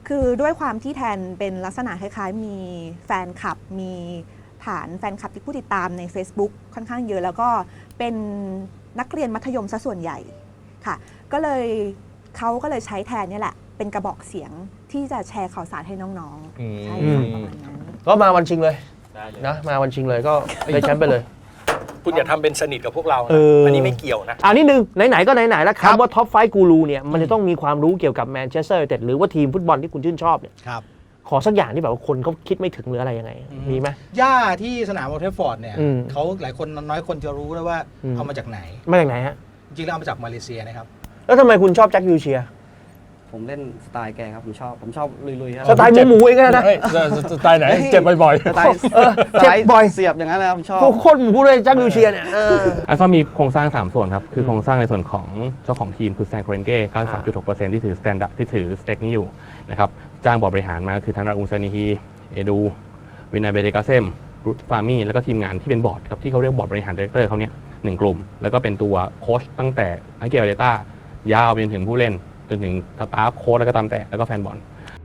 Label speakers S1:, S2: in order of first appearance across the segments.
S1: คือด้วยความที่แทนเป็นลักษณะคล้ายๆมีแฟนคลับมีฐานแฟนคลับที่ผู้ติดตามใน Facebook ค่อนข้างเยอะแล้วก็เป็นนักเรียนมัธยมซะส่วนใหญ่ค่ะก็เลยเขาก็เลยใช้แทนนี่แหละเป็นกระบอกเสียงที่จะแชร์ข่าวสารให้น้องๆใช่ค่ะประมาณนั้น
S2: ก็มาวันชิงเลยนะมาวันชิงเลยก็ได้แชมป์ไปเลย
S3: คุณอย่าทำเป็นสนิทกับพวกเรานะอันนี้ไม่เกี่ยวนะ
S2: นิดนึงไหนๆก็ไหนๆแล้วคำว่าท็อปไฟว์กูรูเนี่ยมันจะต้องมีความรู้เกี่ยวกับแมนเชสเตอร์ยูไนเต็ดหรือว่าทีมฟุตบอลที่คุณชื่นชอบเนี่ยขอสักอย่างที่แบบว่าคนเขาคิดไม่ถึงหรืออะไรยังไงมีไหม
S4: หญ้าที่สนามโอลด์แทรฟฟอร์ดเนี่ยเขาหลายคนน้อยคนจะรู้แล้วว่าเอามาจากไหน
S2: มาจากไหนฮะ
S4: จริงๆแล้วเอามาจากมาเลเซียนะครับ
S2: แล้วทำไมคุณชอบแจ็ควิลเชียร์
S5: ผมเล่นสไตล์แกครับผมชอบลุยๆครับ
S2: สไตล์หมูเองนะ
S3: สไตล์ไหนเจ็บบ่อย
S5: ๆสไตล์เจ็บบ่อยเสียบอย่างนั้นนะครับชอบ
S2: โคตรหมูเลยแจ็ควิลเชียร์เนี่ย
S6: อัลฟามีโครงสร้าง3ส่วนครับคือโครงสร้างในส่วนของเจ้าของทีมคือแซงโคเรนเก้ 93.6% ที่ถือสแตนดาร์ดที่ถือสเต็กนี้อยู่นะครับจ้างบอร์ดบริหารมาคือทางราอูซานิฮีเอดูวินาเบเดกาเซมรุตฟามี่แล้วก็ทีมงานที่เป็นบอร์ดครับที่เขาเรียกบอร์ดบริหารดีเรคเตอร์เขาเนี่ย1กลุ่มแล้วก็เป็นตัวโค้ชตั้งแต่ไอเกลเดต้ายาวไปจนถึงผู้เล่นจนถึงสตาฟโค้ชแล้วก็ตามแต่แล้วก็แฟนบอล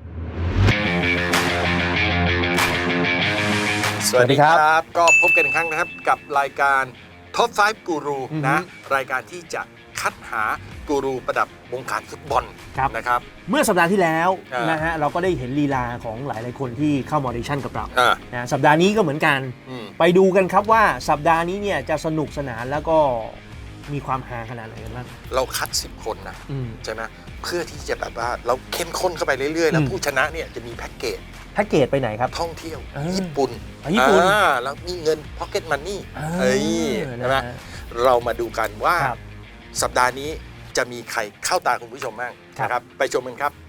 S3: สวัสดีครับก็พบกันอีกครั้งนะครับกับรายการ Top 5 Guru นะรายการที่จะคัดหากูรูประดับวงการฟุตบอลนะครับ
S2: เมื่อสัปดาห์ที่แล้วนะฮะเราก็ได้เห็นลีลาของหลายๆคนที่เข้ามาออดิชั่นกับเรานะสัปดาห์นี้ก็เหมือนกันไปดูกันครับว่าสัปดาห์นี้เนี่ยจะสนุกสนานแล้วก็มีความฮาขนาดไหนกันบ้าง
S3: เราคัด10 คนนะใช่ไหมเพื่อที่จะแบบว่าเราเข้มข้นเข้าไปเรื่อยๆแล้วผู้ชนะเนี่ยจะมีแพ็กเกจ
S2: ไปไหนครับ
S3: ท่องเที่ยวญี่ปุ่นแล้วมีเงินพ็อกเก็ตมันนี่ใช่ไหมเรามาดูกันว่าสัปดาห์นี้จะมีใครเข้าตาคุณผู้ชมบ้างนะครับไปชมกันครับ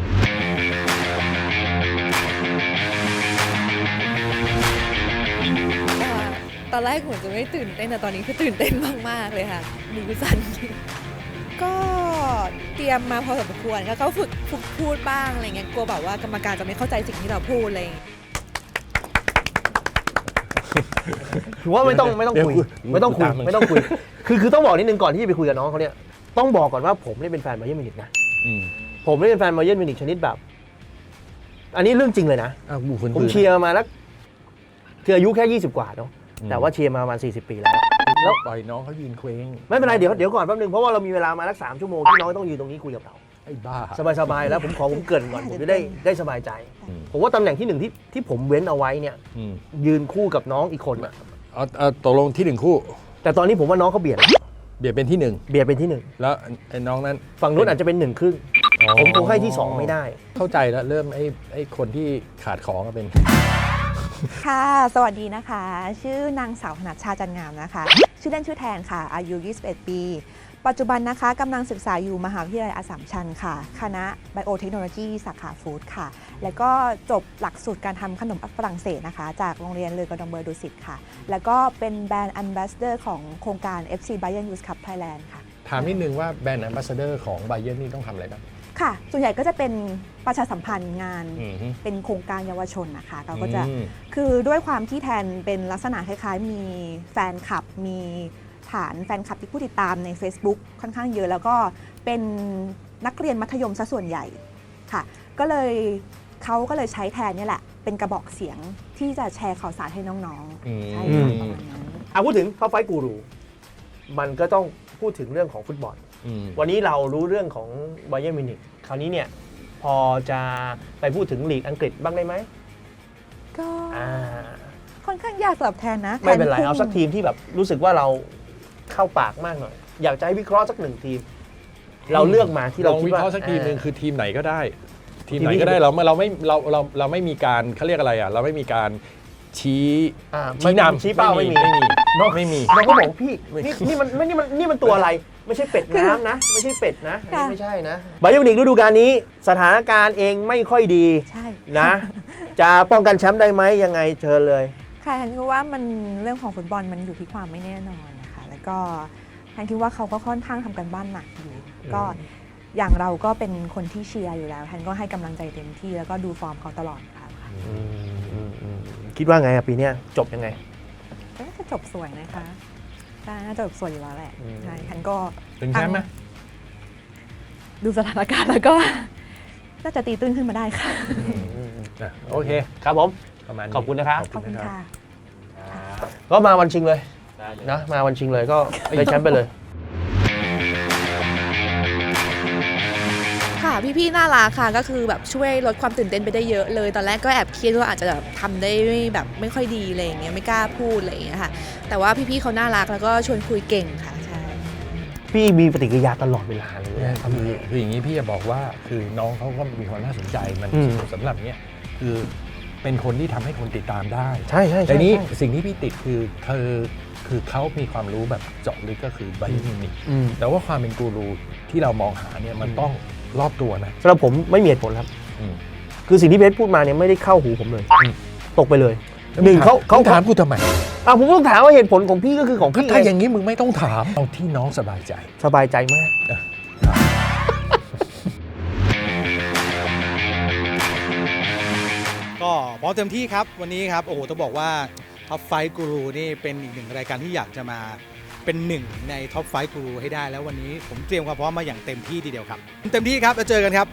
S7: ตอนแรกผมจะไม่ตื่นเต้นแต่ตอนนี้คือตื่นเต้นมากๆเลยค่ะมือสั่นก็เตรียมมาพอสมควรแล้วก็ฝึกพูดบ้างอะไรเงี้ยกลัวแบบว่ากรรมการจะไม่เข้าใจสิ่งที่เราพูดอะไร
S2: ถือว่าไม่ต้องคุยคือต้องบอกนิดนึงก่อนที่จะไปคุยกับน้องเขาเนี่ยต้องบอกก่อนว่าผมเนี่ยเป็นแฟนบาเยิร์นมิวนิกนะผมเนี่ยเป็นแฟนบาเยิร์นมิวนิกชนิดแบบอันนี้เรื่องจริงเลยนะผมเชียร์มาแล้วคืออายุแค่20 กว่าเนาะแต่ว่าเชียร์มาประมาณ40 ปีแล้ว
S3: ปล่อยน้องเขายืนเคว้ง
S2: ไม่เป็นไรเดี๋ยวก่อนแป๊บนึงเพราะว่าเรามีเวลามาสัก3 ชั่วโมงที่น้องต้องยืนตรงนี้คุยกับเรา
S3: ไอ้บ้า
S2: สบายแล้วผมเกริ่นก่อนผมจะได้สบายใจผมว่าตำแหน่งที่1ที่ผมเว้นเอาไว้เนี่ยยืนคู่กับน้องอีกคน
S3: ตกลงที่1คู่
S2: แต่ตอนนี้ผมว่าน้องเขาเบียด
S3: เป็นที่
S2: 1
S3: แล้วไอ้น้องนั้น
S2: ฝั่งนู้นอาจจะเป็น1 ครึ่งผมคงให้ที่2ไม่ได้
S3: เข้าใจแล้วเริ่มไอ้คนที่ขาดของก็เป็น
S1: ค่ะสวัสดีนะคะชื่อนางสาวธนัชชาจันงามนะคะชื่อเล่นชื่อแทนค่ะอายุ21 ปีปัจจุบันนะคะกำลังศึกษาอยู่มหาวิทยาลัยอัสสัมชัญค่ะคณะไบโอเทคโนโลยีสาขาฟู้ดค่ะแล้วก็จบหลักสูตรการทำขนมฝรั่งเศสนะคะจากโรงเรียนเลอกอร์ดองเบอร์ดุสิตค่ะแล้วก็เป็นแบรนด์แอมบาสเดอร์ของโครงการ FC Bayern Youth Cup Thailand ค่ะ
S3: ถามนิดนึงว่าแบรนด์แอมบาสเดอร์ของ Bayern นี่ต้องทำอะไรบ้าง
S1: ค่ะส่วนใหญ่ก็จะเป็นประชาสัมพันธ์งานเป็นโครงการเยาวชนนะคะเราก็จะคือด้วยความที่แทนเป็นลักษณะคล้ายๆมีแฟนคลับมีฐานแฟนคลับที่ผู้ติดตามใน Facebook ค่อนข้างเยอะแล้วก็เป็นนักเรียนมัธยมซะส่วนใหญ่ค่ะก็เลยเขาก็เลยใช้แทนนี่แหละเป็นกระบอกเสียงที่จะแชร์ข่าวสารให้น้องๆใช่ค่ะประมาณนั้น
S2: พูดถึงท็อปไฟว์กูรูมันก็ต้องพูดถึงเรื่องของฟุตบอลวันนี้เรารู้เรื่องของบาเยิร์นมิวนิกคราวนี้เนี่ยพอจะไปพูดถึงลีกอังกฤษบ้างได้ไหม
S1: ก็ค่อนข้างยากสำหรับแทนนะ
S2: ไม่เป็นไรเอาสักทีมที่แบบรู้สึกว่าเราเข้าปากมากหน่อยอยากจะให้วิเคราะห์สัก1 ทีมเราเลือกมาที่เราคิดว่า
S3: วิเคราะห์สักทีมนึงคือทีมไหนก็ได้ทีมไหนก็ได้เราไม่มีการเขาเรียกอะไรเราไม่มีการชี้นำ
S2: ชี้เป้าไม่มีน้องก็บอกพี่นี่มันตัวอะไรไม่ใช่เป็ดน้ำนะไม่ใช่เป็ดนะไม่ใช่นะบาเยิร์นมิวนิกฤดูกาลนี้สถานการณ์เองไม่ค่อยดีนะจะป้องกันแชมป์ได้ไหมยังไงเชิญเลย
S1: ค่ะฉันคิดว่ามันเรื่องของฟุตบอลมันอยู่ที่ความไม่แน่นอนนะคะแล้วก็ฉันคิดว่าเขาก็ค่อนข้างทำกันบ้านหนักอยู่ก็อย่างเราก็เป็นคนที่เชียร์อยู่แล้วฉันก็ให้กำลังใจเต็มที่แล้วก็ดูฟอร์มเขาตลอดค่ะ
S2: คิดว่าไงปีนี้จบยังไง
S1: ก็จะจบสวยนะคะน่าจะจบสวยอยู่แล้วแหละใช่ฉันก็
S3: ถึงแชมป์ไหม
S1: ดูสถานการณ์แล้วก็ก็จะตีตื้นขึ้นมาได้ค่ะ
S2: โอเคครับผม
S8: ประมาณนี้
S2: ขอบคุณนะครับ
S1: ขอบคุณค่ะ
S2: ก็มาวันชิงเลยนะมาวันชิงเลยก็ได้แชมป์ไปเลย
S7: ค่ะพี่ๆน่ารักค่ะก็คือแบบช่วยลดความตื่นเต้นไปได้เยอะเลย ตอนแรกก็แอบเครียดว่าอาจจะแบบทำได้แบบไม่ค่อยดีอะไรอย่างเงี้ยไม่กล้าพูดอะไรอย่างเงี้ยค่ะแต่ว่าพี่ๆเขาน่ารักแล้วก็ชวนคุยเก่งค่ะใช่
S2: พี่มีปฏิกิริยาตลอดเวลาเลย
S8: คืออย่างนี้พี่จะบอกว่าคือน้องเขาก็มีความน่าสนใจมันสำหรับเนี้ยคือเป็นคนที่ทำให้คนติดตามได้
S2: ใช่ใช่
S8: แต่นี้สิ่งที่พี่ติดคือเขามีความรู้แบบเจาะลึกก็คือไบโอมินิกแต่ว่าความเป็นกูรูที่เรามองหาเนี่ยมันต้องรอบตัวนะ
S2: สำหรับผมไม่มีเหตุผลครับคือสิ่งที่เบสพูดมาเนี่ยไม่ได้เข้าหูผมเลยตกไปเลยหนึ่งเขา
S8: ถามกูทำไม
S2: ผมต้องถามว่าเหตุผลของพี่ก็คือของพี่
S8: ถ้าอย่างนี้มึงไม่ต้องถามเอาที่น้องสบายใจ
S2: สบายใจมาก
S4: ก็พร้อมเต็มที่ครับวันนี้ครับโอ้โหต้องบอกว่าท็อปไฟกูรูนี่เป็นอีกหนึ่งรายการที่อยากจะมาเป็นหนึ่งในท็อปไฟกูรูให้ได้แล้ววันนี้ผมเตรียมความพร้อมมาอย่างเต็มที่ทีเดียวครับเต็มที่ครับแล้วเจอกันครับ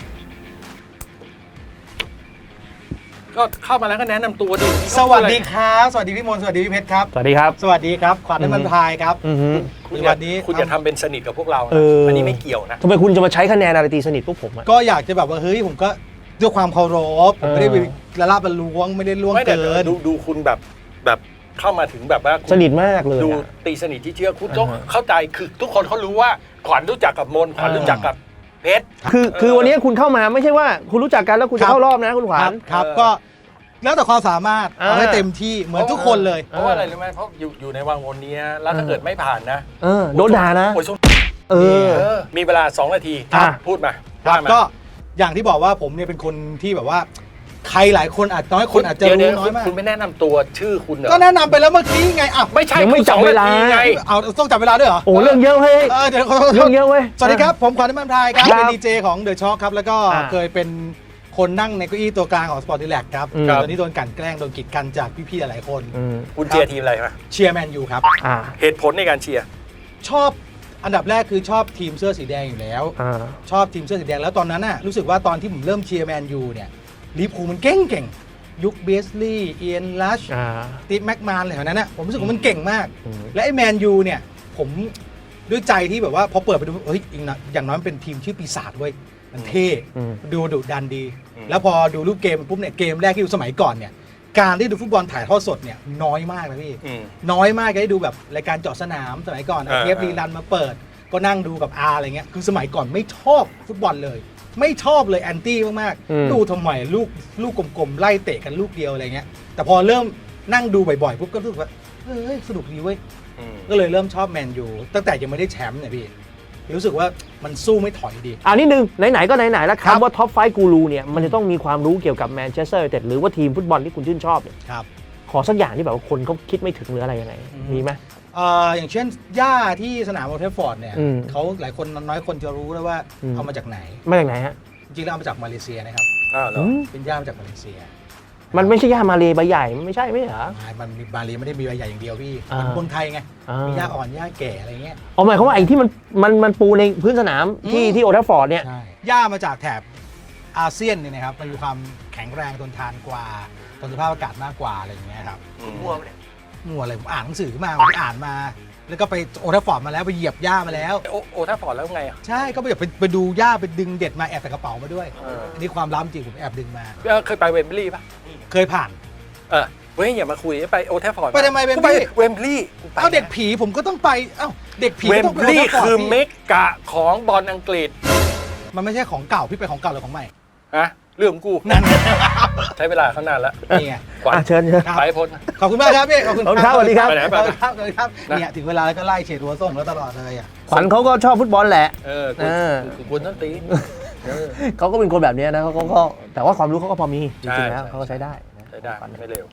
S8: ก็เข้ามาแล้วก็แนะนำตัวดิ
S4: สวัสดีครับสวัสดีพี่มนต์สวัสดีพี่เพชรครับ
S2: สวัสดีครับ
S4: สวัสดีครับขวัญน้ำมันพายครับ
S8: คุณ
S4: วันนี้
S8: คุณอย่าทำเป็นสนิทกับพวกเรานะ
S2: อั
S8: อันนี้ไม่เกี่ยวนะ
S2: ทำไมคุณจะมาใช้คะแนนอะไรตีสนิทพวกผมอะ
S4: ก็อยากจะแบบว่าเฮ้ยผมก็ด้วยความเคารพผมไม่ได้ไปละลาบละล้วงไม่ได้ล่วง
S8: ไม่แต่
S4: เกิน
S8: ดูคุณแบบเข้ามาถึงแบบว่าคุณ
S2: สนิทมากเลย
S8: ดู
S2: อะ
S8: ตีสนิทที่เชื่อคุณต้องเข้าใจคือทุกคนเขารู้ว่าขวัญรู้จักกับมนขวัญรู้จักกับเพชร
S2: คือวันนี้คุณเข้ามาไม่ใช่ว่าคุณรู้จักกันแล้วคุณจะเข้ารอบนะคุณขวัญ
S4: ครับก็แล้วแต่ความสามารถเอาให้เต็มที่เหมือนทุกคนเลย
S8: เพราะว่าอะไรรู้ไหมเพราะอยู่ในวังวนนี้แล้วถ้าเกิดไม่ผ่านนะ
S2: โดนด่านะ
S8: โอ้ยช่วง มีเวลา2 นาที
S2: ครับ
S8: พูดมา
S4: ครับ
S8: ว่ามา
S4: ก็อย่างที่บอกว่าผมเนี่ยเป็นคนที่แบบว่าใครหลายคนอาจน้อยคนอาจจะ
S8: เดี๋ยว
S4: รู้
S8: เดี๋ยว
S4: น้อยมาก
S8: คุณไม่แนะนำตัวชื่อคุณเหรอ
S4: ก็แนะนำไปแล้วเมื่อกี้ไงอ่ะ
S8: ไม่ใช่
S2: ยังไม่จับเวลา
S8: 2 นทีไง
S4: เอาต้องจับเวลาด้วยเหรอ
S2: โอ้เรื่องเยอะเฮ้ย
S4: เดี๋ยวขอโทษ
S2: เรื่องเยอะเว้ย
S4: สวัสดีครับผมขวัญน้ำมันพรายครับ
S2: ครับ
S4: เป็นดีเจของเดอะช็อคครับแล้วก็
S2: อ่า
S4: เคยเป็นคนนั่งในเก้าอี้ตัวกลางของสปอร์ตดีแลกครับ
S2: ครับ
S4: ตอนนี้โดนกลั่นแกล้งโดนกีดกันจากพี่ๆหลายๆคน
S8: คุณเชียร์ทีมอะไรมา
S4: เชียร์แมนยูครับ
S8: เหตุผลในการเชียร์
S4: ชอบอันดับแรกคือชอบทีมเสื้อสีแดงอยู่แล้ว ชอบทีมเสื้อสีแดงแล้วตอนนั้นน่ะรู้สึกว่าตอนที่ผมเริ่มเชียร์แมนยูเนี่ยลิเวอร์พูลมันเก่งยุคเบสลีย์เอียนลัชตีแม็กมานอะไรแถวนั้นน่ะผมรู้สึกว่ามันเก่งมาก และไอ้แมนยูเนี่ยผมด้วยใจที่แบบว่าพอเปิดไปดูเฮ้ยอย่างน้อยมันเป็นทีมชื่อปีศาจเว้ยมันเท่ดูดุดันดี แล้วพอดูรูปเกมปุ๊บเนี่ยเกมแรกที่ดูสมัยก่อนเนี่ยการที่ดูฟุตบอลถ่ายทอดสดเนี่ยน้อยมากนะพี่น้อยมากได้ดูแบบรายการเจาะสนามสมัยก่อนเทปรีรันมาเปิดก็นั่งดูกับอาอะไรเงี้ยคือสมัยก่อนไม่ชอบฟุตบอลเลยไม่ชอบเลยแอนตี้มากๆดูทำไมลูกกลมๆไล่เตะกันลูกเดียวอะไรเงี้ยแต่พอเริ่มนั่งดูบ่อยๆปุ๊บก็รู้สึกว่าเฮ้ยสนุกดีเว้ยก็เลยเริ่มชอบแมนยูตั้งแต่ยังไม่ได้แชมป์เนี่ยพี่รู้สึกว่ามันสู้ไม่ถอยดี
S2: นิดนึงไหนๆก็ไหนๆแล้ว
S4: ครับ
S2: คำว่าท็อปไฟกูรูเนี่ยมันจะต้องมีความรู้เกี่ยวกับแมนเชสเตอร์ยูไนเต็ดหรือว่าทีมฟุตบอลที่คุณชื่นชอบเนี่ย
S4: ครับ
S2: ขอสักอย่างที่แบบว่าคนเขาคิดไม่ถึงหรืออะไรยังไงมีไหม
S4: อย่างเช่นหญ้าที่สนามโอลด์แทรฟฟอร์ดเนี่ย เขาหลายคนน้อยคนจะรู้แล้วว่าเอามาจากไหน
S2: มาจากไหนฮะ
S4: จริงๆแล้วเอามาจากมาเลเซียนะครับ
S8: เหรอ
S4: เป็นหญ้ามาจากมาเลเซีย
S2: มันไม่ใช่ย่ามาเลใบใหญ่มันไม่ใช่ไม่ใช่เหรอ
S4: มันมีมาเลไม่ได้มีใบใหญ่อย่างเดียวพี่
S2: อ่า
S4: เหมือนคนไทยไง มีหญ้า
S2: อ่า
S4: อ่อนหญ้าแก่อะไรเงี้ย
S2: หมายความว่าไอ้ที่มันปูในพื้นสนามที่โอลด์แทรฟฟอร์ดเนี่ย
S4: ใช่หญ้ามาจากแถบอาเซียนเนี่ยนะครับมันมีความแข็งแรงทนทานกว่าทนสภาพอากาศมากกว่าอะไรอย่างเงี้ยครับมั่วอะไรผมอ่านหนังสือมาผมอ่านมา แล้วก็ไปโอลด์แทรฟฟอร์ดมาแล้วไปเหยียบหญ้ามาแล้ว
S8: โอ้ถ้าฟอร์ดแล้วไงอ่ะ
S4: ใช่ก็ไปดูหญ้าไปดึงเด็ดมาแอบใส่กระเป๋ามาด้วยอันนี้ความล้ำจริงผมแอบดึงมา
S8: เคยไปเวมบลีย์ป่ะ
S4: เคยผ่าน
S8: เว้ยอย่ามาคุยไปโอแทฟฟอร์ด
S4: ไปทำไมเวมบลีย์
S8: ไปเวมบลีย์
S4: เอาเด็กผีผมก็ต้องไปเอ้าเด็กผี
S8: เว
S4: ก็
S8: ม
S4: ต้อง
S8: บ
S4: ไป
S8: ลีย์
S4: โลด์แทรฟฟร์ด
S8: คือ
S4: พี่
S8: เมกะของบอลอังกฤษ
S4: มันไม่ใช่ของเก่าพี่ไปของเก่าหรือของใหม่
S8: ฮะเรื่องของกู
S4: นั่นไง
S8: ใช้เวลาเขานานแล้ว
S4: นี่ไง
S8: ขวัญ
S2: เชิญ
S4: ครับ
S8: ไปพ้น
S4: ขอบคุณมากครับพี่ขอบคุณ
S2: ขอบคุณครับสวัสดีครับ
S8: ไปไหนไปไหน
S4: ครับสวัสดีครับเนี่ยถึงเวลาแล้วก็ไล่เฉดหัวส่งแล้วตลอดเลยอ่ะ
S2: ขวัญเขาก็ชอบฟุตบอลแหละ
S8: คุณต้องตี
S2: เขาก็เป็นคนแบบนี้นะเขาก็แต่ว่าความรู้เขาก็พอมีจริงๆแล้วเขาก็ใช้ได้นะ
S8: ใช้ได้ไม่เร็ว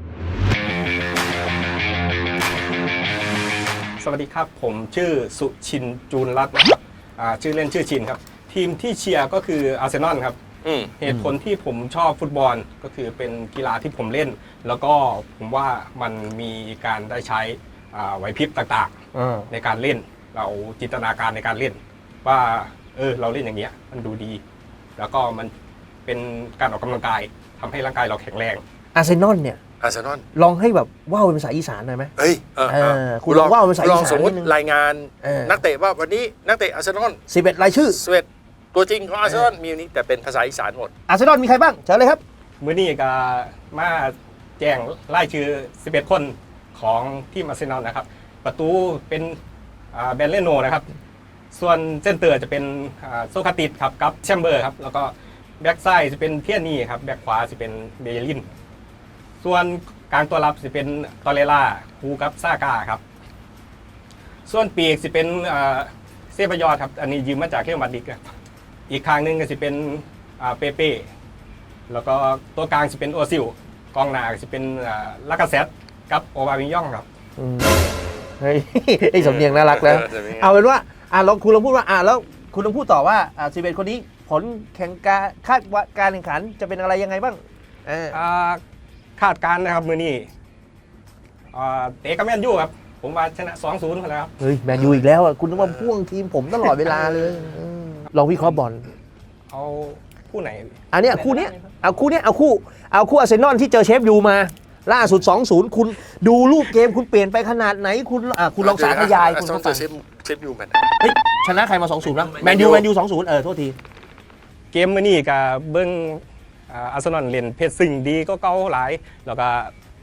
S9: สวัสดีครับผมชื่อสุชินจูนรัตน์นะครับชื่อเล่นชื่อชินครับทีมที่เชียร์ก็คืออาร์เซนอลครับเหตุผลที่ผมชอบฟุตบอลก็คือเป็นกีฬาที่ผมเล่น แล้วก็ผมว่ามันมีการได้ใช้ไหวพริบต่างๆในการเล่นเราจินตนาการในการเล่นว่าเราเล่นอย่างเงี้ยมันดูดี แล้วก็มันเป็นการออกกำลังกายทำให้ร่างกายเราแข็งแรง
S2: อาร์เซนอลเนี่ย
S3: อาร์เซนอล
S2: ลองให้แบบว่าวเป็นภาษาอีสานหน่อยไหม
S3: เอ้ย
S2: คุณลองว่าเป็นภาษาอีสาน
S3: ลองสมมติ
S2: นิดนึง
S3: รายงาน นักเตะว่าวันนี้นักเตะอาร์เซนอล
S2: 11 รายชื่อ
S3: 11ตัวจริงของอาร์เซนอลมีอยู่นี้แต่เป็นภาษาอีสานหมด
S2: อาร์เซนอลมีใครบ้างเชิญเลยครับ
S9: มื้อนี้ก็มาแจ้งรายชื่อ 11 คนของทีมอาร์เซนอลนะครับ ประตูเป็นแบนเลโนนะครับ ส่วนเซนเตอร์จะเป็นโซคาติสครับกับแชมเบอร์ครับ แล้วก็แบ็กซ้ายจะเป็นเทียนี่ครับ แบ็กขวาจะเป็นเบเยลิน ส่วนกลางตัวรับจะเป็นตอเรล่าคูกับซากาครับ ส่วนปีกจะเป็นเซบายอดครับ อันนี้ยืมมาจากเรอัลมาดริดครับอีกข้างหนึงก็จะเป็นเปเป้แล้วก็ตัวกลางจะเป็นโอซิลกองหน้าจะเป็นลากาเซตกับโอบามิยองครับ
S2: เฮ้ย ไอ้สำเนียงน่ารักแล้ว เอาเป็นว่าลองคุณลองพูดว่าแล้วคุณลองพูดต่อว่า11 คนนี้ผลแข่งคาดว่าการแข่งขันจะเป็นอะไรยังไงบ้าง
S9: คาดการณ์นะครับมือนี้เตะกับแมนยูครับ ผมว่าชนะ 2-0ไปแล้วครับ
S2: เฮ้ยแมนยูอีกแล้วอ่ะคุณต้องมาพ่วงทีมผมตลอดเวลาเลยลองวิเคราะห์บอล
S9: เอาคู่ไหน
S2: อันเนี้ยคู่เนี้ยเอาคู่อาร์เซนอลที่เจอเชฟยูมาล่าสุด 2-0 คุณดูรูปเกมคุณเปลี่ยนไปขนาดไหนคุณลองสาธยายคุณ
S3: ต้
S2: ต้
S3: อ
S2: อง ง
S3: เจ
S2: ฟั
S3: อง เชฟยูแมน
S2: เฮ้ยชนะใครมา 2-0แล้วแมนยู 2-0 โทษที
S9: เกมมือนี้กับเบิ้งอาร์เซนอลเล่นเพชรซึ่งดีก็เก่าหลาย แล้วก็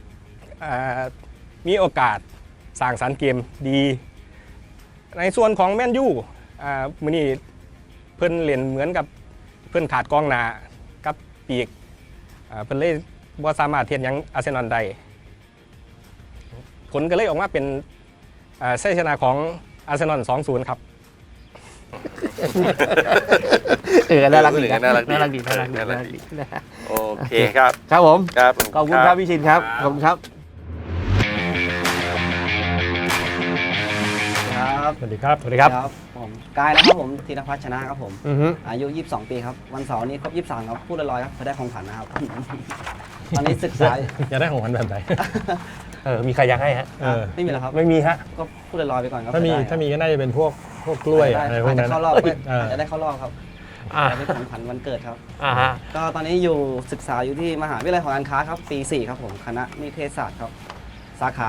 S9: มีโอกาสสร้างสรรค์เกมดี ในส่วนของแมนยูมือนี้เพิ่นเล่นเหมือนกับเพิ่นขาดกองหน้ากับปีกเพิ่นเลยบ่สามารถเทียนยังอาร์เซนอลได้ผลก็เลยออกมาเป็นชัยชนะของอาร์เซนอล 2-0 ครับ
S2: น่ารักดี
S3: น่ารักดี
S2: น่ารักดีนะฮะ
S3: โอเคครับ
S2: ครับผม
S3: ครับ
S2: ขอบคุณครับพี่ชินครับขอบคุณครับ
S5: ครับ
S8: สวัสดีครับ
S2: สวัสดีครับ
S5: ผมกายนะครับผมธีรพัฒน์ชนะครับผม
S2: อือฮึ
S5: อายุ 22 ปีครับ วันเสาร์นี้ครบ 23 ครับ พูดลอยๆครับเขาได้ของขวัญนะครับ ตอนนี้ศึกษา
S8: อยากได้ของขวัญแบบไหน
S2: มีใครอยากให้ฮะ
S5: ไม่มีแล้วครับ
S2: ไม่มีฮะ
S5: ก็พูดลอยๆไปก่อนครับ
S8: ถ้ามี
S5: ได้ครับ
S8: ถ้ามีก็น่าจะเป็นพวกกล้วยอะไรพวกนั้น
S5: อาจจะเข้ารอบ
S8: เออ
S5: อาจจะได้เข้ารอบครับ
S2: อ่า
S5: จะเป็นของขวัญวันเกิดครับ
S2: ฮะ
S5: ก็ตอนนี้อยู่ศึกษาอยู่ที่มหาวิทยาลัยหอการค้าครับปี 4 ครับผมคณะนิเทศศาสตร์ครับสาขา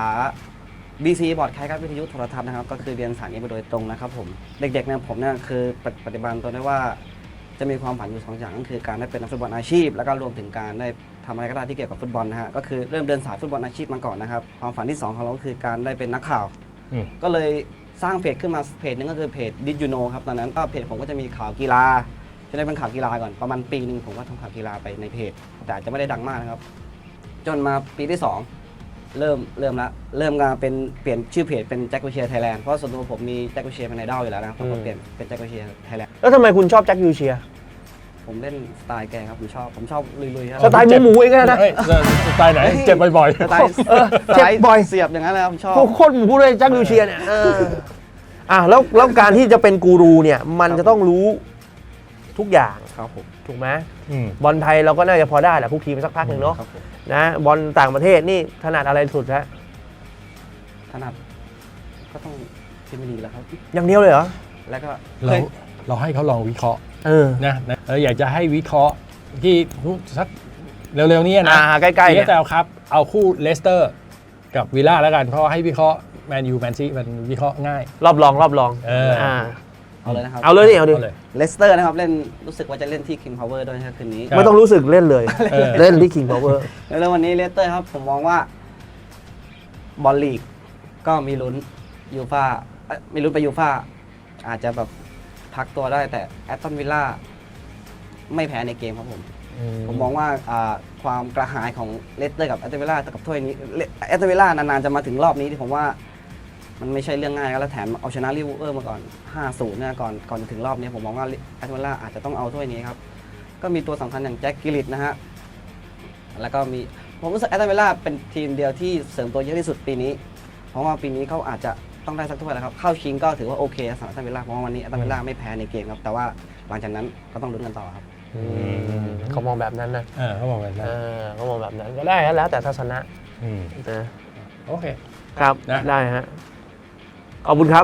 S5: BC บอร์ดคล้ายกับวิทยุโทรทัศน์นะครับก็คือเรียนสายนี้ไปโดยตรงนะครับผมเด็กๆเนี่ยผมเนี่ยคือปฏิบัติตัวได้ว่าจะมีความฝันอยู่2อย่างก็คือการได้เป็นนักฟุตบอลอาชีพ แล้วก็รวมถึงการได้ทำอะไรก็ได้ที่เกี่ยวกับฟุตบอลนะฮะก็คือเริ่มเดินสายฟุตบอลอาชีพมาก่อนนะครับความฝันที่2ของเราก็คือการได้เป็นนักข่าว ก็เลยสร้างเพจขึ้นมาเพจนึงก็คือเพจ Did You Know ครับตอนนั้นก็เพจผมก็จะมีข่าวกีฬาจะได้เป็นข่าวกีฬาก่อนประมาณปีนึงผมก็ทำข่าวกีฬาไปในเพจแต่อาจจะไม่ได้ดังมากนะครับจนมาปีที่ 2 เริ่มการเป็นเปลี่ยนชื่อเพจเป็นแจ็ควิเชียร์ไทยแลนด์เพราะส่วนตัวผมมีแจ็ควิเชียร์เป็นไอดอลอยู่แล้วนะครับผมก็เปลี่ยนเป็นแจ็ควิเชียร์ไทยแลนด์
S2: แล้วทำไมคุณชอบแจ็คยูเชียร์
S5: ผมเล่นสไตล์แกครับผมชอบลุยๆครับ
S2: สไตล์หมูๆเองนะ
S8: เฮ้ยสไตล์ไหน เจ็บบ่อย
S5: สไตล์
S2: เจ็บบ่อย
S5: เสียบอย่างนั้นเลยครับผมชอบ
S2: โคตรหมูเลยแจ็คยูเชียร์เนี่ยแล้วการที่จะเป็นกูรูเนี่ยมันจะต้องรู้ทุกอย่าง
S5: ครับผม
S2: ถูกไหม
S8: ๆ
S2: บอลไทยเราก็น่าจะพอได้แหละพวกทีมสักพักหนึ่งเนาะ
S5: ครับผม
S2: นะบอลต่างประเทศนี่ถนัดอะไรสุดฮะ
S5: ถนัดก็ต้องพรีเมียร์ลีกแล้วครับ
S2: อย่างเดียวเลยเหรอ
S5: แล้วก็
S8: เราให้เขาลองวิเคราะห์
S2: นะ
S8: อยากจะให้วิเคราะห์ที่สักเร็วๆนี้นะ
S2: ใกล้ๆเนี่ย
S8: แต่ครับเอาคู่เลสเตอร์กับวิลล่าแล้วกันเพราะให้วิเคราะห์แมนยูแมนซีมันวิเคราะห์ง่าย
S2: รอบรอง
S5: เอาเลยนะครับ
S2: เอาเลยเอาดิ
S5: เลสเตอร์นะครับเล่นรู้สึกว่าจะเล่นที่ King Power ด้วยนะครับคืนนี้
S2: ไม่ต้องรู้สึกเล่นเลย เล่นที่ King Power
S5: แล้ววันนี้เลสเตอร์ครับผมมองว่าบอลลีกก็มีลุ้นยูฟ่ามีลุ้นไปยูฟ่าอาจจะแบบพักตัวได้แต่แอตตันวิลล่าไม่แพ้ในเกมครับผมมองว่าความกระหายของเลสเตอร์กับแอตตันวิลล่ากับถ้วยนี้แอตตันวิลล่านานๆจะมาถึงรอบนี้ที่ผมว่ามันไม่ใช่เรื่องง่ายแล้วแถมเอาชนะลิเวอร์พูลมาก่อน 5-0 เนี่ยก่อนถึงรอบนี้ผมมองว่าแอตตันวิลล่าอาจจะต้องเอาถ้วยนี้ครับก็มีตัวสำคัญอย่างแจ็คกิลลิตนะฮะแล้วก็มีผมรู้สึกแอตตันวิลล่าเป็นทีมเดียวที่เสริมตัวเยอะที่สุดปีนี้เพราะว่าปีนี้เขาอาจจะต้องได้สักถ้วยแล้วครับเข้าชิงก็ถือว่าโอเคสำหรับแอตตันวิลล่าเพราะว่าวันนี้แอตตันวิลล่าไม่แพ้ในเกมครับแต่ว่าหลังจากนั้นก็ต้องลุ้นกันต่อครับ
S2: เขามองแบบนั้นนะ
S8: เขาบอกแบบนั้น
S2: เขามองแบบนั้นก็ได้แล้วแต่ทัศนะนะ
S8: โอเค
S2: ครับ
S8: นะ
S2: ได้ฮะขอบคุณครับ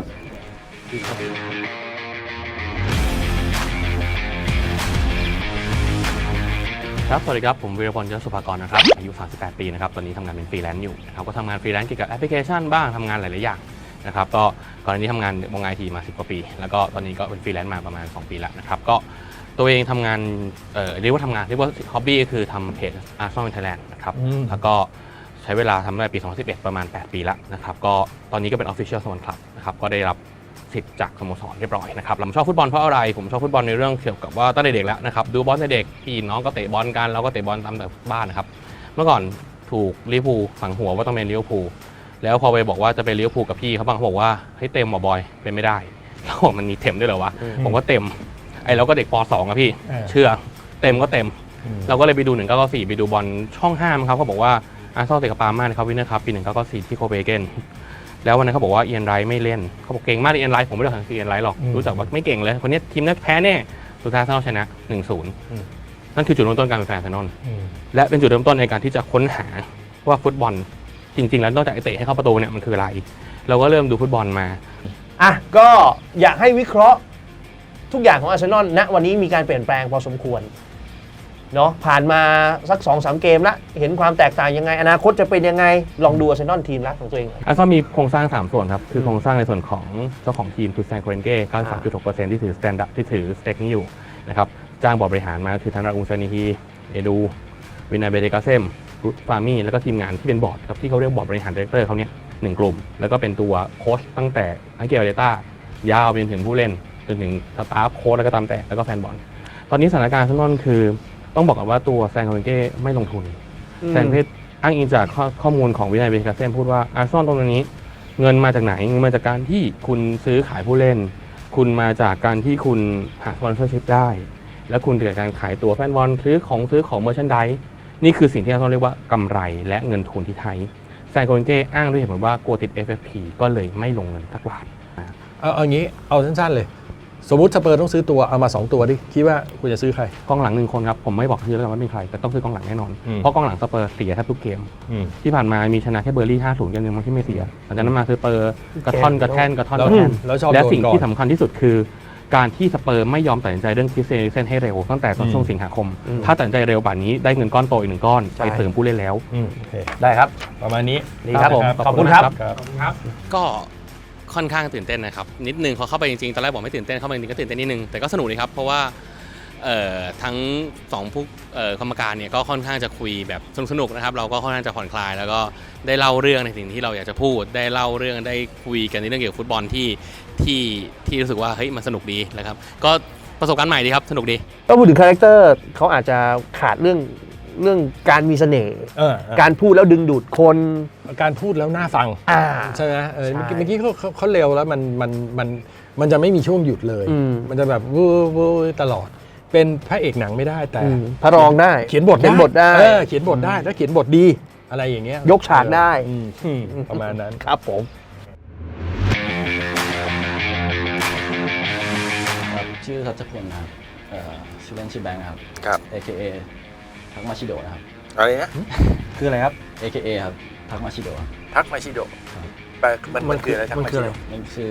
S6: ครับสวัสดีครับผมวีรพลยศสุภากรนะครับอายุ38ปีนะครับตอนนี้ทำงานเป็นฟรีแลนซ์อยู่นะครับก็ทำงานฟรีแลนซ์เกี่ยวกับแอปพลิเคชันบ้างทำงานหลายๆอย่างนะครับก็ก่อนหน้านี้ทำงานวงไอทีมา10 กว่าปีแล้วก็ตอนนี้ก็เป็นฟรีแลนซ์มาประมาณ2 ปีแล้วนะครับก็ตัวเองทำงานเรียกว่าทำงานเรียกว่าฮ็อบบี้ก็คือทำเพจ Arsenal Thailand นะครับแล้วก็ใช้เวลาทำตั้งแต่ปี 2011 ประมาณ8 ปีแล้วนะครับก็ตอนนี้ก็เป็น Official Swan Club นะครับก็ได้รับสิทธิ์จากสโมสรเรียบร้อยนะครับผมชอบฟุตบอลเพราะอะไรผมชอบฟุตบอลในเรื่องเกี่ยวกับว่าตั้งแต่เด็กแล้วนะครับดูบอลในเด็กพี่น้องก็เตะบอลกันเราก็เตะบอลตามแต่บ้านนะครับเมื่อก่อนถูกลิเวอร์พูลฝังหัวว่าต้องเป็นลิเวอร์พูลแล้วพอไปบอกว่าจะเป็นลิเวอร์พูลกับพี่เขาบางเขาบอกว่าให้เต็มบอยเป็นไม่ได้แล้วมันมีเต็มด้วยเหรอวะผมก็เต็มไอ้เราก็เด็กป .2 อะพี่เชื่อเต็มก็เต็มเราก็เลยไปดู1994ไปดูบอลช่อง5ครับเขาบอกว่าอาร์เซนอลเตะกับปาร์มานะครับวินเนอร์คัพปี1994ที่โคเปนเฮเกนแล้ววันนั้นเขาบอกว่าเอียนไรท์ไม่เล่นเขาบอกเก่งมากเอียนไรท์ผมไม่รู้จักเอียนไรท์หรอกรู้จักว่าไม่เก่งเลยคนนี้ทีมนั้นแพ้แน่สุดท้ายอาร์เซนอลชนะ 1-0 นั่นคือจุดเริ่มต้นการเป็นแฟนอาร์เซนอลและเป็นจุดเริ่มต้นในการที่จะค้นหาว่าฟุตบอลจริงๆแล้วนอกจากเตะให้เข้าประตูเนี่ยมันคืออะไรเราก็เริ่มดูฟุตบอลมา
S2: อ่ะก็อยากให้วิเคราะห์ทุกอย่างของอาร์เซนอลณวันนี้มีการเปลี่ยนแปลงพอสมควรเนาะผ่านมาสัก 2-3 เกมแล้วเห็นความแตกต่างยังไงอนาคตจะเป็นยังไงลองดูอาร์เซนอลทีมรักของตัวเอง
S6: อาร์เซนอลมีโครงสร้าง3ส่วนครับคือโครงสร้างในส่วนของเจ้าของทีมคือแซงโคเรนเก้ 93.6% ที่ถือสแตนดาร์ดที่ถือสเต็กนี้อยู่นะครับจ้างบอร์ดบริหารมาคือทางราอูซานิฮีเอดูวินาเบเดกาเซมรุตฟามี่แล้วก็ทีมงานที่เป็นบอร์ดครับที่เขาเรียกบอร์ดบริหารดีเรคเตอร์เขาเนี่ย1 กลุ่มแล้วก็เป็นตัวโค้ชตั้งแต่อังเกลเดต้ายาวไปจนถึงผู้เล่นจนถึงสตาฟโค้ชแล้วก็ตามแต่แล้วก็แฟนบอลตอนนี้สถานการณ์อาร์เซนอลคือต้องบอกกันว่าตัวแซงโคเรนเก้ไม่ลงทุนแซงเพชรอ้างอิงจากข้อมูลของวินัยเบคาเซมพูดว่าอาร์เซนอลตรงนี้เงินมาจากไหนเงินมาจากการที่คุณซื้อขายผู้เล่นคุณมาจากการที่คุณหาสปอนเซอร์ชิพได้และคุณเกิดการขายตัวแฟนบอลซื้อของเมอร์ชันไดส์นี่คือสิ่งที่อาร์เซนอลเรียกว่ากำไรและเงินทุนที่ไทยแซงโคเรนเก้อ้างด้วยเหตุผลว่ากลัวติด FFP ก็เลยไม่ลงเงินสักบาท
S8: เอางี้เอาสั้นๆเลยสมมุติสเปอร์ต้องซื้อตัวเอามา2 ตัวดิคิดว่าคุณจะซื้อใคร
S6: กองหลัง1 คนครับผมไม่บอกชื่อแล้วว่าเป็นใครแต่ต้องซื้อกองหลังแน่นอนเพราะกองหลังสเปอร์เสียแทบทุกเกมที่ผ่านมามีชนะแค่เบอร์ลี่ 5-0 เกมนึงที่ไม่เสียหลังจากนั้นมาสเปอร์กระท่อนและสิ่งที่สำคัญที่สุดคือการที่สเปอร์ไม่ยอมตัดสินใจเรื่องคริสเตียน เอริกเซนให้เร็วตั้งแต่ตอนช่วงสิงหาคมถ้าตัดสินใจเร็วป่านนี้ได้เงินก้อนโตอีก1 ก้อนไปเสริมผู้เล่นแล้ว
S2: ได้ครับ
S8: ประมาณนี้
S2: ดีครับผมขอบคุณครับ
S6: ก็ค่อนข้างตื่นเต้นนะครับนิดนึงพอเข้าไปจริงๆตอนแรกบอกไม่ตื่นเต้นเข้าไปจริงๆก็ตื่นเต้นนิดนึงแต่ก็สนุกดีครับเพราะว่าทั้ง2ผู้กรรมการเนี่ยก็ค่อนข้างจะคุยแบบสนุกนะครับเราก็ค่อนข้างจะผ่อนคลายแล้วก็ได้เล่าเรื่องในสิ่งที่เราอยากจะพูดได้เล่าเรื่องได้คุยกันในเรื่องเกี่ยวกับฟุตบอลที่รู้สึกว่าเฮ้ยมันสนุกดีนะครับก็ประสบการณ์ใหม่ดีครับสนุกดี
S2: ก็พูดถึงคาแรคเตอร์เขาอาจจะขาดเรื่องการมีเสน่ห์การพูดแล้วดึงดูดคน
S8: การพูดแล้วน่าฟังใช่ไหมเมื่อกี้เขาเร็วแล้วมันจะไม่มีช่วงหยุดเลยมันจะแบบวูตลอดเป็นพระเอกหนังไม่ได้แต่
S2: พระรองได้
S8: เขียนบทได้เขียนบทได้แล้วเขียนบทดีอะไรอย่างเงี้ย
S2: ยกฉากได้
S8: ประมาณนั้น
S2: ครับผม
S5: ชื่อทัชพลนะครับชื่อเล่นชื่อแบงค์ครับ AKA ทักมาชิโดะนะครับ
S3: อะไรนะ
S5: คืออะไรครับ AKA ครับทักมาชิโดะ
S3: ทักมาชิโดะแปลมันคืออะไรทักมาชิโดะ
S5: มันคือ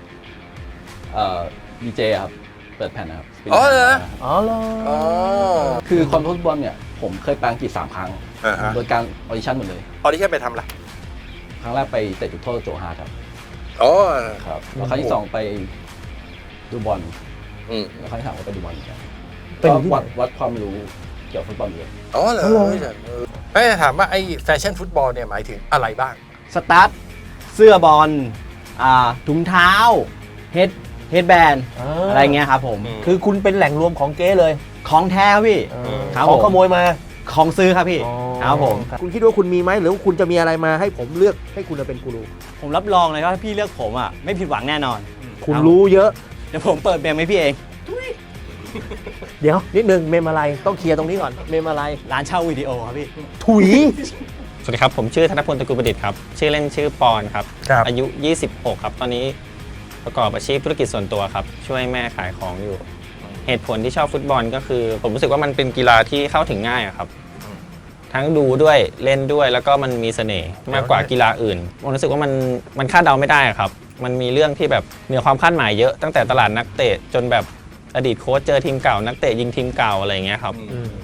S5: ดีเจครับเปิดแผ่นนะครับ
S3: อ๋อเหรอ
S5: คือคอนฟุตบอลเนี่ยผมเคยแปลงกีด3 ครั้งโดยการออดิชั่นหมดเลย
S3: ออดิชั่นไปทำอะไร
S5: ครั้งแรกไปเตะจุดโทษโจฮาครับ
S3: อ๋อ
S5: ครับแล้วครั้งที่2ไปดูบอลแล้วครั้งที่3ก็ไปดูบอลกันก็วัดความรู้เกี่ยวกับฟุตบอลเลย
S3: อ๋อเหรอไม่ถามว่าไอ้แฟชั่นฟุตบอลเนี่ยหมายถึงอะไรบ้าง
S5: สตาร์ทเสื้อบอลถุงเท้าเฮดแบนอะไรเงี้ยครับผม
S2: คือคุณเป็นแหล่งรวมของเก๊เลย
S5: ของแท้ครับพี่
S2: ของขโมยมา
S5: ของซื้อครับพี่ครับผม
S2: คุณคิดว่าคุณมีไหมหรือคุณจะมีอะไรมาให้ผมเลือกให้คุณเป็นกูรู
S5: ผมรับรองเลยว่าพี่เลือกผมอ่ะไม่ผิดหวังแน่นอน
S2: คุณรู้เยอะ
S5: เดี๋ยวผมเปิดเมมให้พี่เอง
S2: เดี๋ยวนิดนึงเมมอะไรต้องเคลียร์ตรงนี้ก่อนเมมอะไร
S5: ร้านเช่าวิดีโอครับพี่
S2: ถุย
S9: สวัสดีครับผมชื่อธนพลตระกูลประดิษฐ์ครับชื่อเล่นชื่อปอนครับอายุ26ครับตอนนี้ประกอบอาชีพธุรกิจส่วนตัวครับช่วยแม่ขายของอยู่เหตุผลที่ชอบฟุตบอลก็คือผมรู้สึกว่ามันเป็นกีฬาที่เข้าถึงง่ายครับทั้งดูด้วยเล่นด้วยแล้วก็มันมีเสน่ห์มากกว่ากีฬาอื่นผมรู้สึกว่ามันคาดเดาไม่ได้ครับมันมีเรื่องที่แบบเหนือความคาดหมายเยอะตั้งแต่ตลาดนักเตะจนแบบอดีตโค้ชเจอทีมเก่านักเตะยิงทีมเก่าอะไรอย่างเงี้ยครับ
S2: แส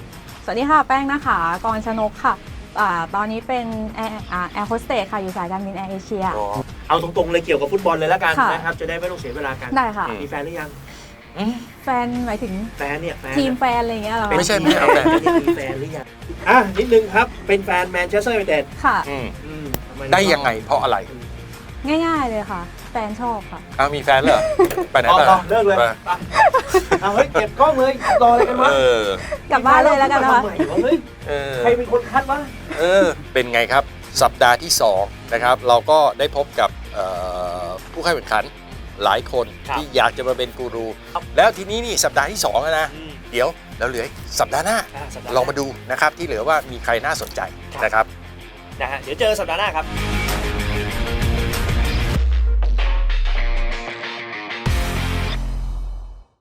S10: วัสดีค่ะ แป้งนะคะกรชนกค่ะตอนนี้เป็นแอร์โฮสเตสค่ะอยู่สายการบินแอร์เอเชีย
S2: เอาตรงๆเลยเกี่ยวกับฟุตบอลเลยแล้วกัน
S10: ค่ะ
S2: นะครับจะได้ไม่ต้องเสียเวลากัน
S10: ได้ค่ะ
S2: มีแฟนหรือยัง
S10: แฟนหมายถึง
S2: แฟนเนี่ยแฟน
S10: ทีมแฟนอะไรอย่างเงี้ยเหรอคะ
S3: ไม่ใช่ไม่เอาแต่
S2: มีแฟนหรือยังนิดนึงครับเป็นแฟนแมนเชสเตอร์ยูไนเต็ด
S10: ค่ะ
S2: ทำม
S3: ได้ยังไงเพราะอะไร
S10: ง่ายๆเลยค่ะ แฟนชอบค่ะ
S3: อ้าวมีแฟนเหรอไปไหน
S2: อ๋อ
S3: มา
S2: เลิกเลย
S3: ไป
S2: เอาเฮ้ยเก็บกล้องเลยรออะไรกันวะ
S10: กลับบ้านเลยแล้วกันนะคะ
S2: ทำไมวเฮ้ยใครเป็นคนคัดวะ
S3: เป็นไงครับ สัปดาห์ที่ 2 นะครับ เราก็ได้พบกับผู้เข้าแข่งขันหลายคน
S2: ครับ
S3: ที่อยากจะมาเป็นกูรู แล้วทีนี้นี่สัปดาห์ที่2แล้วนะ เดี๋ยวเราเหลืออีกสัปดาห์หน้า
S2: สัปดาห์หน้า
S3: ลองมาดูนะครับที่เหลือว่ามีใครน่าสนใจนะครับ
S2: นะฮะเดี๋ยวเจอสัปดาห์หน้าครับ